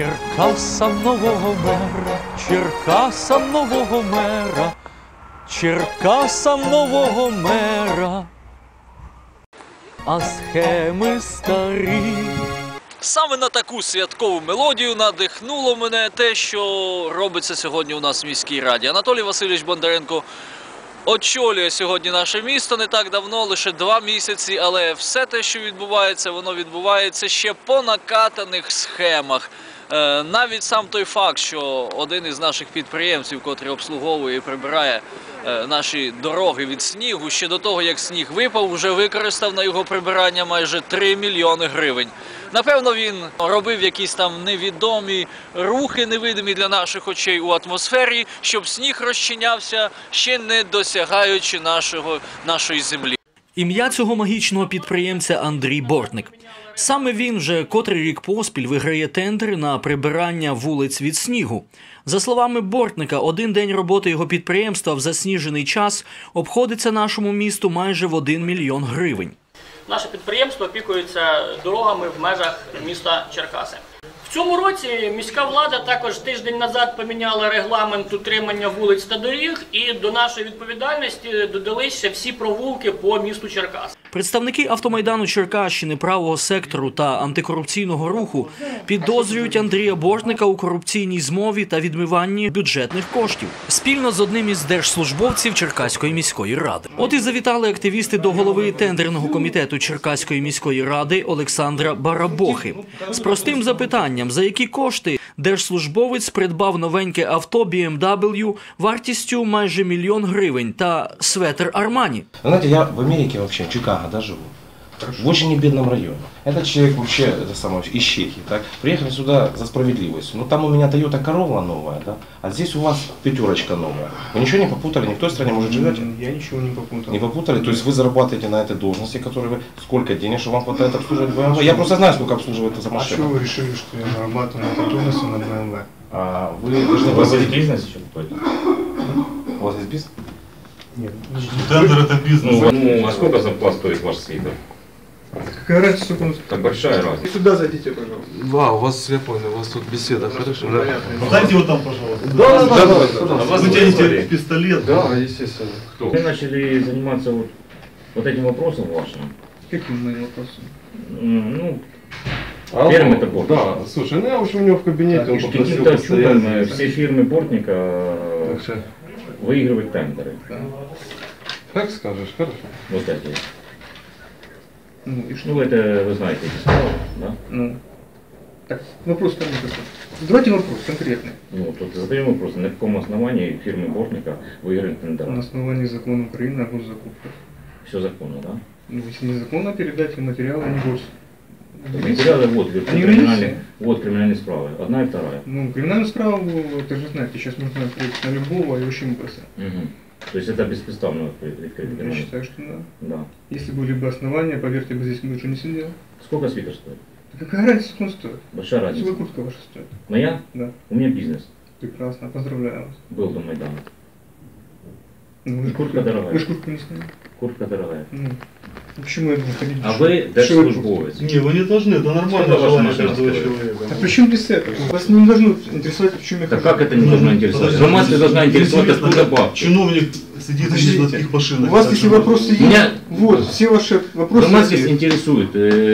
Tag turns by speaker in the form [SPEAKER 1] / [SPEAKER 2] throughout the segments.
[SPEAKER 1] Черкасам нового мера, Черкасам нового мера, Черкасам нового мера, а схеми старі. Саме на таку святкову мелодію надихнуло мене те, що робиться сьогодні у нас в міській раді. Анатолій Васильович Бондаренко очолює сьогодні наше місто не так давно, лише 2 місяці, але все те, що відбувається, воно відбувається ще по накатаних схемах. Навіть сам той факт, що один із наших підприємців, котрий обслуговує і прибирає наші дороги від снігу, ще до того, як сніг випав, вже використав на його прибирання майже 3 мільйони гривень. Напевно, він робив якісь там невідомі рухи, невидимі для наших очей у атмосфері, щоб сніг розчинявся, ще не досягаючи нашої землі. Ім'я цього магічного підприємця Андрій Бортник. Саме він вже котрий рік поспіль виграє тендер на прибирання вулиць від снігу. За словами Бортника, один день роботи його підприємства в засніжений час обходиться нашому місту майже в 1 мільйон гривень.
[SPEAKER 2] Наше підприємство опікується дорогами в межах міста Черкаси. В цьому році міська влада також тиждень назад поміняла регламент утримання вулиць та доріг, і до нашої відповідальності додалися всі провулки по місту Черкас.
[SPEAKER 1] Представники автомайдану Черкащини, правого сектору та антикорупційного руху підозрюють Андрія Бортника у корупційній змові та відмиванні бюджетних коштів спільно з одним із держслужбовців Черкаської міської ради. От і завітали активісти до голови тендерного комітету Черкаської міської ради Олександра Барабохи з простим запитанням, за які кошти держслужбовець придбав новеньке авто BMW вартістю майже 1 мільйон гривень та светр Армані.
[SPEAKER 3] Знаете, я в Америке вообще, в Чикаго, да, живу. В очень небедном районе. Этот человек вообще из Чехии, так? Приехали сюда за справедливостью. Ну там у меня Toyota Corolla новая, да? А здесь у вас 5 новая. Вы ничего не попутали? Ни в той стране, может, живете?
[SPEAKER 4] Я ничего не попутал.
[SPEAKER 3] Не попутали? То есть вы зарабатываете на этой должности, которой вы... Сколько денег, что вам хватает обслуживать BMW? Я просто знаю, сколько обслуживает эта машина.
[SPEAKER 4] А что вы решили, что я зарабатываю на этой должности на BMW?
[SPEAKER 3] А вы должны...
[SPEAKER 5] У вас есть бизнес еще какой-то?
[SPEAKER 3] У вас есть бизнес?
[SPEAKER 4] Нет.
[SPEAKER 5] Тендер это бизнес. Ну, а сколько зарплат стоит ваш свитер?
[SPEAKER 4] Какая разница, сколько он стоит?
[SPEAKER 5] Так большая разница.
[SPEAKER 4] Сюда зайдите, пожалуйста.
[SPEAKER 6] Да, у вас, я понял, у вас тут беседа, хорошо? Да.
[SPEAKER 5] Дайте его там, пожалуйста.
[SPEAKER 6] Да,
[SPEAKER 5] А вас тянете пистолет?
[SPEAKER 6] Да, естественно.
[SPEAKER 5] Кто? Вы начали заниматься вот этим вопросом вашим.
[SPEAKER 4] Каким моим вопросом?
[SPEAKER 5] Ну, фирмы это Бортник.
[SPEAKER 6] Да, слушай, ну я вообще у него в кабинете, он попросил
[SPEAKER 5] Каким-то чудом
[SPEAKER 6] постоять.
[SPEAKER 5] все фирмы Бортника
[SPEAKER 6] Так что,
[SPEAKER 5] выигрывают тендеры.
[SPEAKER 6] как скажешь, хорошо.
[SPEAKER 5] Вот эти.
[SPEAKER 4] Ну и что?
[SPEAKER 5] Ну, это вы знаете эти слова, да?
[SPEAKER 4] Ну. Так, вопрос ко мне какой? Давайте вопрос конкретный.
[SPEAKER 5] Ну, тут задаем вопрос, на каком основании фирмы Бортника выиграют тендеры?
[SPEAKER 4] На основании закона Украины о госзакупках.
[SPEAKER 5] Все законно, да?
[SPEAKER 4] Ну, если незаконно, передайте материалы, а не гос.
[SPEAKER 5] Материалы вот,
[SPEAKER 4] Они
[SPEAKER 5] вот криминальные справы, одна и вторая.
[SPEAKER 4] Ну, криминальную справу, вы же знаете, сейчас можно открыть на любого и очень быстро.
[SPEAKER 5] Угу. То есть это беспредставно открыть?
[SPEAKER 4] Я считаю, что да.
[SPEAKER 5] Да.
[SPEAKER 4] Если были бы основания, поверьте, бы здесь больше не сидел.
[SPEAKER 5] Сколько свитер стоит?
[SPEAKER 4] Да какая разница, сколько он стоит?
[SPEAKER 5] Большая разница.
[SPEAKER 4] Сколько куртка ваша стоит?
[SPEAKER 5] Моя?
[SPEAKER 4] Да.
[SPEAKER 5] У меня бизнес.
[SPEAKER 4] Прекрасно, поздравляю вас.
[SPEAKER 5] Был до Майдана.
[SPEAKER 4] Ну, вы же
[SPEAKER 5] Куртка дорогая.
[SPEAKER 4] Вы же куртку не сняли.
[SPEAKER 5] Куртка дорогая.
[SPEAKER 4] Ну, почему я должен ходить?
[SPEAKER 5] А вы держслужбовец.
[SPEAKER 7] Не, вы не должны, это нормально
[SPEAKER 5] Сколько ваша
[SPEAKER 7] желание
[SPEAKER 5] машина
[SPEAKER 7] каждого
[SPEAKER 5] стоит?
[SPEAKER 7] человека.
[SPEAKER 4] А при чем здесь это? Вас не должно интересовать, в чем я
[SPEAKER 5] Так
[SPEAKER 4] хожу.
[SPEAKER 5] как это не должно интересовать?
[SPEAKER 7] Подожди,
[SPEAKER 5] Громадство должна интересовать,
[SPEAKER 7] интересно,
[SPEAKER 5] откуда
[SPEAKER 7] как
[SPEAKER 5] бабки.
[SPEAKER 7] чиновник сидит
[SPEAKER 4] Подождите,
[SPEAKER 7] на таких машинах.
[SPEAKER 4] У вас
[SPEAKER 7] так
[SPEAKER 4] если
[SPEAKER 7] же.
[SPEAKER 4] вопросы есть,
[SPEAKER 5] Меня-
[SPEAKER 4] вот, все ваши вопросы
[SPEAKER 5] Громадство
[SPEAKER 4] есть.
[SPEAKER 5] интересует.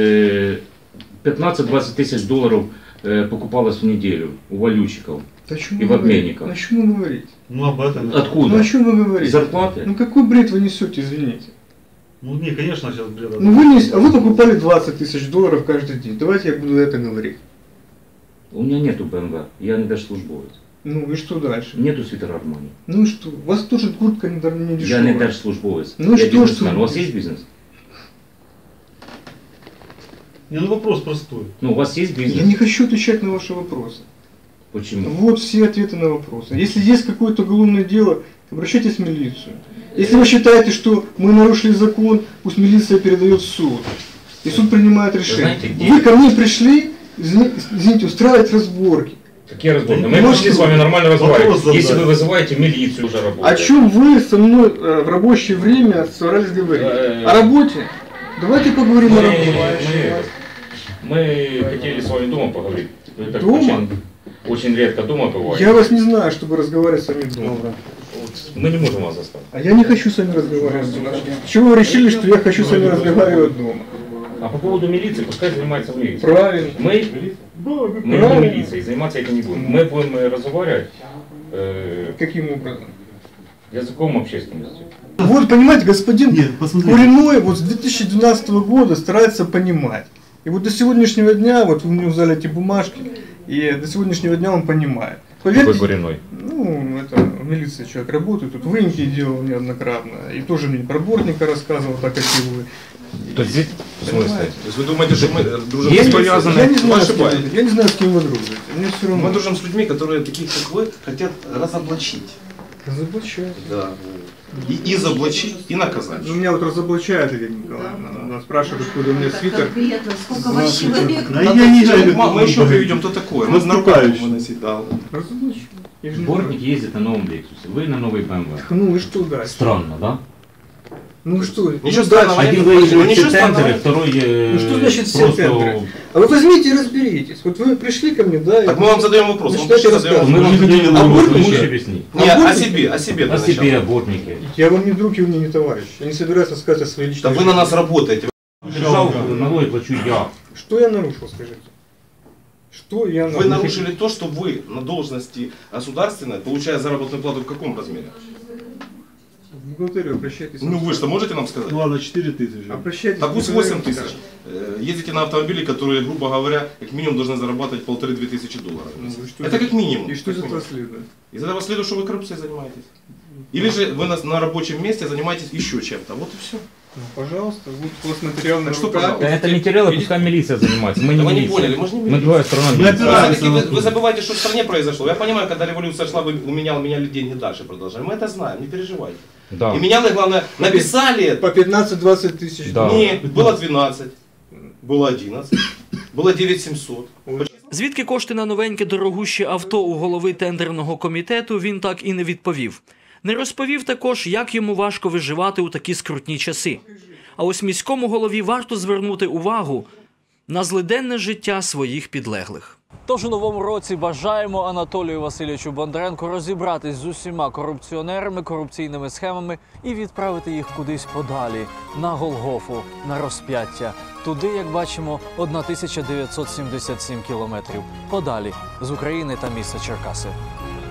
[SPEAKER 5] 15-20 тысяч долларов покупалось в неделю у валютчиков.
[SPEAKER 4] Да о чем
[SPEAKER 5] и
[SPEAKER 4] вы
[SPEAKER 5] в
[SPEAKER 4] говорите?
[SPEAKER 5] обменниках.
[SPEAKER 4] О чем вы говорите?
[SPEAKER 7] Ну об этом.
[SPEAKER 4] Ну
[SPEAKER 5] Откуда?
[SPEAKER 4] о чем вы говорите?
[SPEAKER 5] Зарплаты?
[SPEAKER 4] Ну какой бред вы несете, извините?
[SPEAKER 7] Ну не, конечно, сейчас бред.
[SPEAKER 4] Ну вы, а вы покупали 20 тысяч долларов каждый день. Давайте я буду это говорить.
[SPEAKER 5] У меня нету БМВ, я не держслужбовец.
[SPEAKER 4] Ну и что дальше?
[SPEAKER 5] Нету свитера Армани.
[SPEAKER 4] Ну и что? У вас тоже куртка не
[SPEAKER 5] Я
[SPEAKER 4] дешевая.
[SPEAKER 5] не держслужбовец.
[SPEAKER 4] Ну
[SPEAKER 5] я
[SPEAKER 4] что,
[SPEAKER 5] бизнесмен.
[SPEAKER 4] что?
[SPEAKER 5] У вас есть бизнес?
[SPEAKER 7] Не, ну вопрос простой.
[SPEAKER 5] Ну, у вас есть бизнес?
[SPEAKER 4] Я не хочу отвечать на ваши вопросы.
[SPEAKER 5] Почему?
[SPEAKER 4] Вот все ответы на вопросы. Если есть какое-то уголовное дело, обращайтесь в милицию. Если вы считаете, что мы нарушили закон, пусть милиция передает в суд. И суд принимает решение.
[SPEAKER 5] знаете, где-
[SPEAKER 4] Вы ко мне пришли, извините, устраивать разборки.
[SPEAKER 5] Какие разборки?
[SPEAKER 7] Ну,
[SPEAKER 5] Мы
[SPEAKER 4] ну,
[SPEAKER 5] пришли
[SPEAKER 4] что?
[SPEAKER 5] с вами нормально разговаривать.
[SPEAKER 7] Вопрос
[SPEAKER 5] Если
[SPEAKER 7] задать.
[SPEAKER 5] вы вызываете милицию, уже
[SPEAKER 4] О
[SPEAKER 5] работает.
[SPEAKER 4] чем вы со мной в рабочее время собрались говорить? О работе? Давайте поговорим о работе.
[SPEAKER 5] Мы хотели с вами дома поговорить. Вы так
[SPEAKER 4] Дома?
[SPEAKER 5] очень редко дома бываете.
[SPEAKER 4] Я вас не знаю, чтобы разговаривать с вами дома.
[SPEAKER 5] Вот мы не можем вас заставить.
[SPEAKER 4] А я не хочу с вами разговаривать дома. Чего вы решили, что я хочу с вами разговаривать дома?
[SPEAKER 5] А по поводу милиции, пускай занимается милиция.
[SPEAKER 4] Правильно.
[SPEAKER 5] Мы не
[SPEAKER 4] Правильно.
[SPEAKER 5] милицией, заниматься этим не будем. Мы будем разговаривать
[SPEAKER 4] Каким образом?
[SPEAKER 5] языком общественности.
[SPEAKER 4] Вот, понимаете, господин
[SPEAKER 7] Нет, посмотрите.
[SPEAKER 4] Куриной вот с 2012 года старается понимать. И вот до сегодняшнего дня, вот вы мне взяли эти бумажки, и до сегодняшнего дня он понимает.
[SPEAKER 5] Какой
[SPEAKER 4] Поверьте,
[SPEAKER 5] Гориной?
[SPEAKER 4] ну, это в милиции человек работает, тут выемки делал неоднократно, и тоже мне про Бортника рассказывал, так как и вы.
[SPEAKER 5] То есть здесь, в смысле?
[SPEAKER 3] То есть вы думаете, что мы дружим
[SPEAKER 4] Я
[SPEAKER 3] с
[SPEAKER 4] не,
[SPEAKER 3] повязанными?
[SPEAKER 4] я не
[SPEAKER 3] Вы
[SPEAKER 4] знаю, с
[SPEAKER 3] ошибаетесь.
[SPEAKER 4] кем, я не знаю, с кем вы дружите. Мне все равно.
[SPEAKER 3] Мы дружим с людьми, которые, таких как вы, хотят разоблачить.
[SPEAKER 4] Разоблачают.
[SPEAKER 3] Да. И изоблачить, и наказать.
[SPEAKER 4] Ну, меня вот разоблачает Елена Николаевна. Она спрашивает, откуда у меня свитер.
[SPEAKER 8] Конкретно, сколько у вас человек?
[SPEAKER 7] Да я не знаю,
[SPEAKER 3] Мы еще приведем то такое. Мы на руках будем выносить, да.
[SPEAKER 4] Разоблачаю. Я же не
[SPEAKER 5] Бортник ездит на новом Лексусе, вы на новой БМВ.
[SPEAKER 4] знаю. Ну и что дальше?
[SPEAKER 5] Странно, да?
[SPEAKER 4] Ну и что?
[SPEAKER 3] Ничего
[SPEAKER 4] Ну, дальше?
[SPEAKER 3] странного.
[SPEAKER 5] Один
[SPEAKER 3] Ну,
[SPEAKER 5] выезжает
[SPEAKER 3] ничего
[SPEAKER 5] все тендеры,
[SPEAKER 3] странного.
[SPEAKER 5] второй
[SPEAKER 4] Ну что значит все
[SPEAKER 5] просто...
[SPEAKER 4] тендеры? А вы возьмите и разберитесь. Вот вы пришли ко мне, да? и-
[SPEAKER 3] Так мы вам задаем вопрос.
[SPEAKER 4] Значит,
[SPEAKER 3] Мы
[SPEAKER 4] дайте
[SPEAKER 3] задаем
[SPEAKER 4] рассказывать.
[SPEAKER 5] Мы вам задаем
[SPEAKER 7] А
[SPEAKER 5] вопрос, вы
[SPEAKER 4] Бортники?
[SPEAKER 5] можете объяснить?
[SPEAKER 3] Не,
[SPEAKER 4] А
[SPEAKER 3] о
[SPEAKER 4] Бортники?
[SPEAKER 3] себе, о себе.
[SPEAKER 5] О
[SPEAKER 3] для
[SPEAKER 5] себе,
[SPEAKER 3] начала.
[SPEAKER 5] о Бортнике.
[SPEAKER 4] Я вам не друг и вы мне не товарищ. Я не собираюсь рассказать о своей личной
[SPEAKER 3] Да вы на
[SPEAKER 4] жизни.
[SPEAKER 3] нас работаете.
[SPEAKER 5] Держал, налоги плачу я.
[SPEAKER 4] Что я нарушил, скажите? Что я нарушил?
[SPEAKER 3] Вы нарушили то, что вы на должности государственной, получая заработную плату в каком размере?
[SPEAKER 4] В бухгалтерию обращайтесь.
[SPEAKER 3] Ну вы что, можете нам сказать?
[SPEAKER 7] Ну ладно, 4000.
[SPEAKER 4] Обращайтесь.
[SPEAKER 3] Да пусть
[SPEAKER 4] в
[SPEAKER 3] 8
[SPEAKER 4] бухгалтерию,
[SPEAKER 3] тысяч.
[SPEAKER 4] скажем.
[SPEAKER 3] Ездите на автомобиле, которые, грубо говоря, как минимум должны зарабатывать 1500-2000 тысячи долларов.
[SPEAKER 4] Ну, и что
[SPEAKER 3] Это
[SPEAKER 4] из-
[SPEAKER 3] как минимум.
[SPEAKER 4] И что из
[SPEAKER 3] Как
[SPEAKER 4] этого
[SPEAKER 3] минимум.
[SPEAKER 4] следует?
[SPEAKER 3] Из этого следует, что вы коррупцией занимаетесь. Или же вы на рабочем месте занимаетесь еще чем-то. Вот и все.
[SPEAKER 4] Ну, пожалуйста, вот у вас материал на
[SPEAKER 3] Так что,
[SPEAKER 4] руках.
[SPEAKER 3] пожалуйста.
[SPEAKER 5] Это материалы, пускай милиция занимается, мы не
[SPEAKER 3] Да вы не
[SPEAKER 5] милиция.
[SPEAKER 3] поняли, мы же не
[SPEAKER 5] Мы
[SPEAKER 3] милиция.
[SPEAKER 5] другая сторона
[SPEAKER 7] Мы
[SPEAKER 5] милиции.
[SPEAKER 7] опираемся на
[SPEAKER 3] Вы забываете, что в стране произошло. Я понимаю, когда революция шла, вы меняли деньги дальше продолжали. Мы это знаем, не переживайте.
[SPEAKER 5] Да.
[SPEAKER 3] И меняли, главное, написали это.
[SPEAKER 4] По 15-20 тысяч.
[SPEAKER 5] Да.
[SPEAKER 3] Нет, было 12, было 11, было 9700.
[SPEAKER 1] Звідки кошти на новеньке дорогуще авто у голови тендерного комітету, він так і не відповів. Не розповів також, як йому важко виживати у такі скрутні часи. А ось міському голові варто звернути увагу на злиденне життя своїх підлеглих. Тож у новому році бажаємо Анатолію Васильовичу Бондаренку розібратись з усіма корупціонерами, корупційними схемами і відправити їх кудись подалі, на Голгофу, на розп'яття. Туди, як бачимо, 1977 кілометрів. Подалі з України та міста Черкаси.